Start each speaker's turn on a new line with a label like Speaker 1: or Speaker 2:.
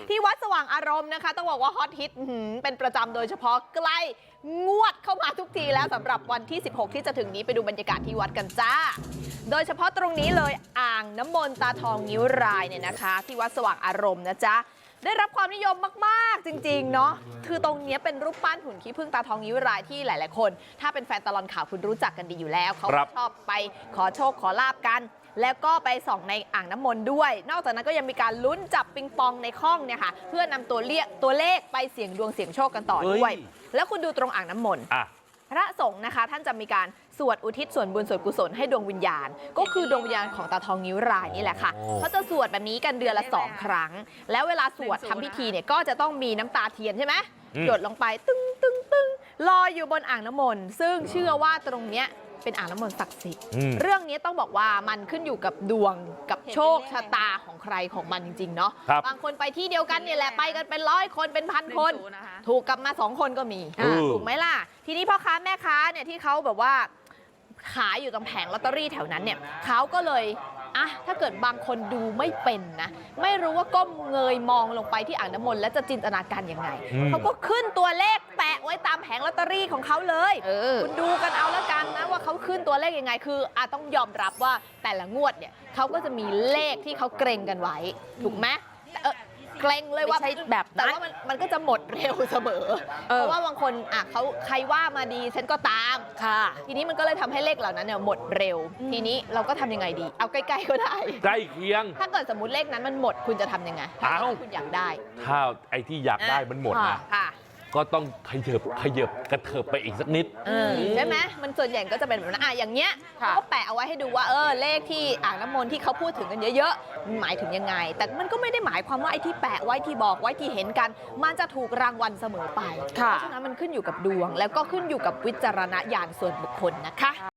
Speaker 1: ที่วัดสว่างอารมณ์นะคะต้องบอกว่าฮอตฮิตเป็นประจำโดยเฉพาะใกล้งวดเข้ามาทุกทีแล้วสำหรับวันที่ 16 ที่จะถึงนี้ไปดูบรรยากาศที่วัดกันจ้าโดยเฉพาะตรงนี้เลยอ่างน้ำมนต์ตาทองงิ้วรายเนี่ยนะคะที่วัดสว่างอารมณ์นะจ๊ะได้รับความนิยมมากๆจริงๆเนาะคือตรงนี้เป็นรูปปั้นหุ่นขี้ผึ้งตาทองงิ้วรายที่หลายๆคนถ้าเป็นแฟนตลอดข่าวคุณรู้จักกันดีอยู่แล้วเขาชอบไปขอโชคขอลาบกันแล้วก็ไปส่องในอ่างน้ำมนต์ด้วยนอกจากนั้นก็ยังมีการลุ้นจับปิงปองในข้องเนี่ยค่ะเพื่อนำตัวเลขไปเสี่ยงดวงเสี่ยงโชคกันต่อด้วยแล้วคุณดูตรงอ่างน้ำมนต์พระสงฆ์นะคะท่านจะมีการสวดอุทิศส่วนบุญส่วนกุศลให้ดวงวิญญาณก็คือดวงวิญญาณของตาทองงิ้วรายนี่แหละค่ะเขาจะสวดแบบนี้กันเดือนละ2 ครั้งแล้วเวลาสวดทำพิธีเนี่ยก็จะต้องมีน้ำตาเทียนใช่ไหมหยดลงไปตึ้งตึ้งตึ้งลอยอยู่บนอ่างน้ำมนต์ซึ่งเชื่อว่าตรงเนี้ยเป็นอ่างน้ำมนต์ศักดิ์สิทธิ์เรื่องนี้ต้องบอกว่ามันขึ้นอยู่กับดวงกับโชคชะตาของใครของมันจริงๆเนาะบางคนไปที่เดียวกันเนี่ยแหละไปกันเป็น100 คนเป็น1,000 คนถูกกลับมา2 คนก็มีถูกไหมล่ะทีนี้พ่อค้าแม่ค้าเนี่ยที่เขาแบบว่าขายอยู่ตรงแผงลอตเตอรี่แถวนั้นเนี่ยเขาก็เลยถ้าเกิดบางคนดูไม่เป็นนะไม่รู้ว่าก้มเงยมองลงไปที่อ่างน้ำมนต์แล้วจะจินตนาการยังไงเขาก็ขึ้นตัวเลขแปะไว้ตามแผงลอตเตอรี่ของเขาเลยคุณดูกันเอาแล้วกันนะว่าเขาขึ้นตัวเลขยังไงคือต้องยอมรับว่าแต่ละงวดเนี่ยเขาก็จะมีเลขที่เขาเกรงกันไว้ถูกไหมเกรงเลยว่าแบบแต่ว่ามันก็จะหมดเร็วเสมอเพราะว่าบางคนเขาใครว่ามาดีฉันก็ตามค่ะทีนี้มันก็เลยทำให้เลขเหล่านั้นเนี่ยหมดเร็วทีนี้เราก็ทำยังไงดีเอาใกล้ๆก็ได้
Speaker 2: ใกล้เคียง
Speaker 1: ถ้าเกิดสมมติเลขนั้นมันหมดคุณจะทำยังไงถ้าคุณอยากได้
Speaker 2: ถ้าไอ้ที่อยากได้มันหมดนะก็ต้องขยับกระเถิบไปอีกสักนิด
Speaker 1: ใช่ไหมมันส่วนใหญ่ก็จะเป็นแบบนั้นอย่างเงี้ยเขาก็แปะเอาไว้ให้ดูว่าเลขที่อ่างน้ำมนต์ที่เขาพูดถึงกันเยอะๆมันหมายถึงยังไงแต่มันก็ไม่ได้หมายความว่าไอ้ที่แปะไว้ที่บอกไว้ที่เห็นกันมันจะถูกรางวัลเสมอไปเพราะฉะนั้นมันขึ้นอยู่กับดวงแล้วก็ขึ้นอยู่กับวิจารณญาณส่วนบุคคลนะคะ